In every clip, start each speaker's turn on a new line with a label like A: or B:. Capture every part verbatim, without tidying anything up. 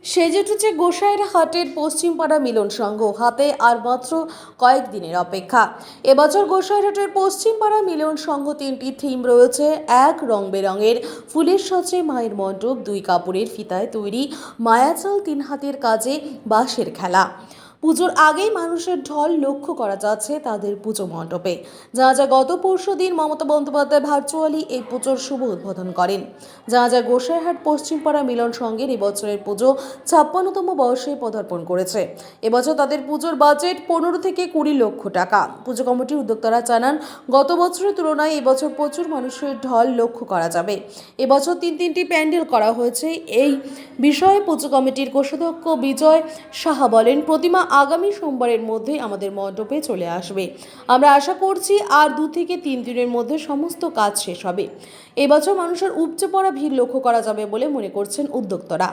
A: সেজে উঠেছে গোসাইর হাটের পশ্চিমপাড়া মিলন সংঘ। হাতে আর মাত্র কয়েকদিনের অপেক্ষা। এবছর গোসাইরহাটের পশ্চিমপাড়া মিলন সংঘ তিনটি থিম রয়েছে। এক, রং বেরঙের ফুলের সাজে মায়ের মণ্ডপ। দুই, কাপড়ের ফিতায় তৈরি মায়াজাল। তিন, হাতের কাজে বাঁশের খেলা। পুজোর আগেই মানুষের ঢল লক্ষ্য করা যাচ্ছে তাদের পুজো মণ্ডপে। যা যা গত পরশু দিন মমতা বন্দ্যোপাধ্যায় ভার্চুয়ালি এই পুজোর শুভ উদ্বোধন করেন। যা যা গোসাইরহাট পশ্চিমপাড়া মিলন সংঘের এবছরের পুজো ছাপ্পান্নতম বর্ষে পদার্পণ করেছে। এবছর তাদের পুজোর বাজেট পনেরো থেকে কুড়ি লক্ষ টাকা। পুজো কমিটির উদ্যোক্তারা জানান, গত বছরের তুলনায় এবছর প্রচুর মানুষের ঢল লক্ষ্য করা যাবে। এবছর তিন তিনটি প্যান্ডেল করা হয়েছে। এই বিষয়ে পুজো কমিটির কোষাধ্যক্ষ বিজয় সাহা বলেন, প্রতিমা আগামী সোমবারের মধ্যে আমাদের মণ্ডপে চলে আসবে। আমরা আশা করছি আর দু থেকে তিন দিনের মধ্যে সমস্ত কাজ শেষ হবে। এবছর মানুষের উপচে পড়া ভিড় লক্ষ্য করা যাবে বলে মনে করছেন উদ্যোক্তারা।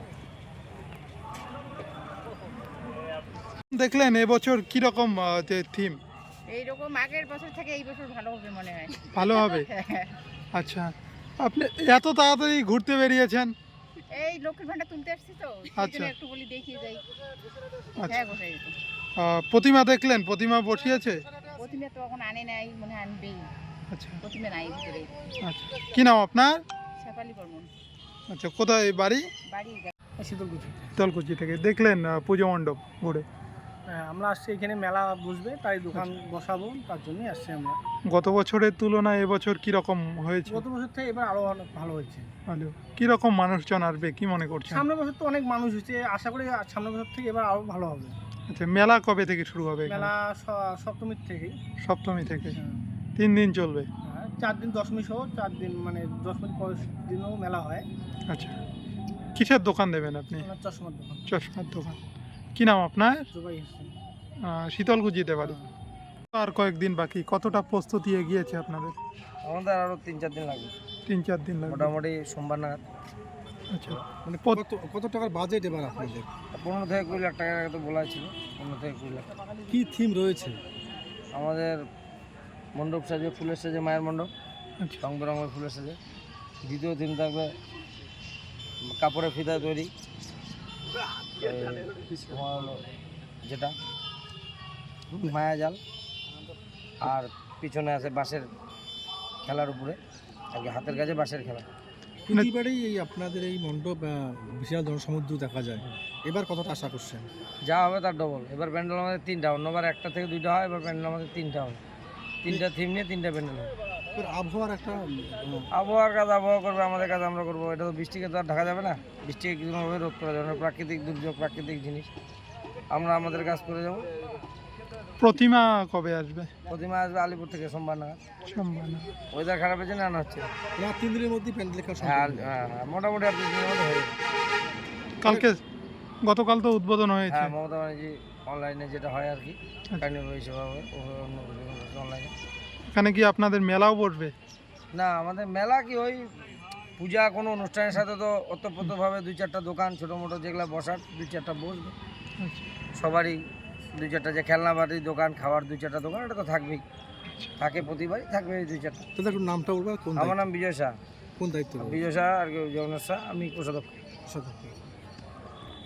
B: দেখলেন এবছর কি রকম যে থিম?
C: এইরকম আগের বছর থেকে এই বছর ভালো হবে মনে হয়।
B: ভালো হবে। আচ্ছা, আপনি এত তাড়াতাড়ি ঘুরতে বেরিয়েছেন?
C: এই লক্ষ্মীর ভান্ডার তুলতে আসছি তো,
B: আচ্ছা,
C: একটু বলি দেখিয়ে যাই।
B: আচ্ছা,
C: হ্যাঁ গোসাই তো।
B: প্রতিমা দেখলেন? প্রতিমা বসিয়েছে?
C: প্রতিমা তো এখন আনে নাই, মনে হয় আনবেই।
B: আচ্ছা,
C: প্রতিমা নাই ভিতরে।
B: আচ্ছা, কি নাম আপনার?
C: শেফালি বর্মন।
B: আচ্ছা, কোথায় বাড়ি?
C: বাড়ি
D: শীতলকুচি।
B: শীতলকুচি থেকে দেখলেন পুজো মণ্ডপ ঘুরে?
D: হ্যাঁ, আমরা আসছি এখানে মেলা বসবে, তাই দোকান বসাবো, তার জন্যই আসছি আমরা।
B: গত বছরের তুলনায় এবছর কি রকম হয়েছে?
D: গত বছর থেকে এবার আরো অনেক ভালো হয়েছে।
B: ভালো। কি রকম মানুষজন আসবে কি মনে করছেন?
D: সামনের বছর তো অনেক মানুষ হয়েছে, আশা করি সামনের বছর থেকে এবার আরো ভালো হবে।
B: আচ্ছা, মেলা কবে থেকে শুরু হবে?
D: মেলা স- সপ্তমীর থেকে।
B: সপ্তমী থেকে
D: হ্যাঁ,
B: তিন দিন চলবে।
D: হ্যাঁ, চার দিন দশমী সহ চার দিন, মানে দশমীর পরের দিনও মেলা হয়।
B: আচ্ছা, কিসের দোকান দেবেন আপনি?
D: আমার চশমার দোকান।
B: চশমার দোকান। কি নাম আপনার?
D: জুবাই হোসেন।
B: আহ, শীতলকুচিতে বাড়ি। আর কয়েকদিন বাকি, কতটা প্রস্তুতি এগিয়েছে আপনাদের?
E: আমাদের আরো তিন চার দিন লাগবে,
B: তিন চার দিন লাগবে
E: মোটামুটি সোমবার নাগাদ।
B: আচ্ছা,
D: মানে কত কত টাকার বাজেট এবার আপনাদের?
E: পনেরো থেকে কুড়ি লাখ টাকার তো বলা ছিল, পনেরো থেকে কুড়ি লাখ টাকা।
D: কি থিম রয়েছে?
E: আমাদের মণ্ডপ সাজে, ফুলের সাজে মায়ের মণ্ডপ,
B: আচ্ছা,
E: রং বেরঙের ফুলের সাজে। দ্বিতীয় থিম থাকবে কাপড়ের ফিতায় তৈরি, এই তোমার হলো যেটা মায়াজাল, আর পিছনে আছে বাঁশের খেলার উপরে আর কি, হাতের কাছে বাঁশের খেলা।
D: প্রতিবারই এই আপনাদের এই মণ্ডপ বিশাল জনসমুদ্র দেখা যায়, এবার কতটা আশা করছেন?
E: যা হবে তার ডবল। এবার প্যান্ডেল আমাদের তিনটা, অন্যবার একটা থেকে দুইটা হয়, এবার প্যান্ডেল আমাদের তিনটা হবে। তিনটা থিম নিয়ে তিনটা প্যান্ডেল হবে।
D: এবার আবহাওয়ার একটা
E: আবহাওয়ার কাজ আবহাওয়া করবে, আমাদের কাজ আমরা করবো। এটা তো বৃষ্টিকে তো আর ঢাকা যাবে না, বৃষ্টিকে কিছুভাবে রোধ করা যাবে না। প্রাকৃতিক দুর্যোগ, প্রাকৃতিক জিনিস, আমরা আমাদের কাজ করে যাবো।
B: প্রতিমা কবে আসবে?
E: প্রতিমা আসবে আলিপুর থেকে সোমবার নাগাদ।
B: সোমবার না?
E: ওয়েদার খারাপের জন্য আনা হচ্ছে।
D: না, তিন দিনের মধ্যেই প্যান্ডেল লেখা
E: হ্যাঁ হ্যাঁ হ্যাঁ, মোটামুটি আর দুই দিনের মধ্যে হয়ে যাবে।
B: কালকে, গতকাল তো উদ্বোধন হয়েছে।
E: হ্যাঁ, মমতা ব্যানার্জি অনলাইনে যেটা হয় আর কি, কার্নিভাল হিসেবে হবে, অন্য অনলাইনে।
B: এখানে কি আপনাদের মেলাও বসবে?
E: না, আমাদের মেলা কি ওই পূজা কোনো অনুষ্ঠানের সাথে তো ওতপ্রোতভাবে দুই চারটা দোকান ছোটো মোটো যেগুলো বসার দুই চারটা বসবে।
B: আচ্ছা,
E: সবারই দুই চারটা, যে খেলনা বাড়ির দোকান, খাওয়ার দুই চারটা দোকান, এটা তো থাকবেই, থাকে প্রতিবারই থাকবে এই দুই চারটা।
D: তো একটু নামটা বলবো, কোন
E: আমার নাম বিজয় শাহ।
D: কোন দায়িত্ব?
E: বিজয় শাহ আর কি, জগন্নাথ শাহ, আমি কোষাধ্যক্ষ।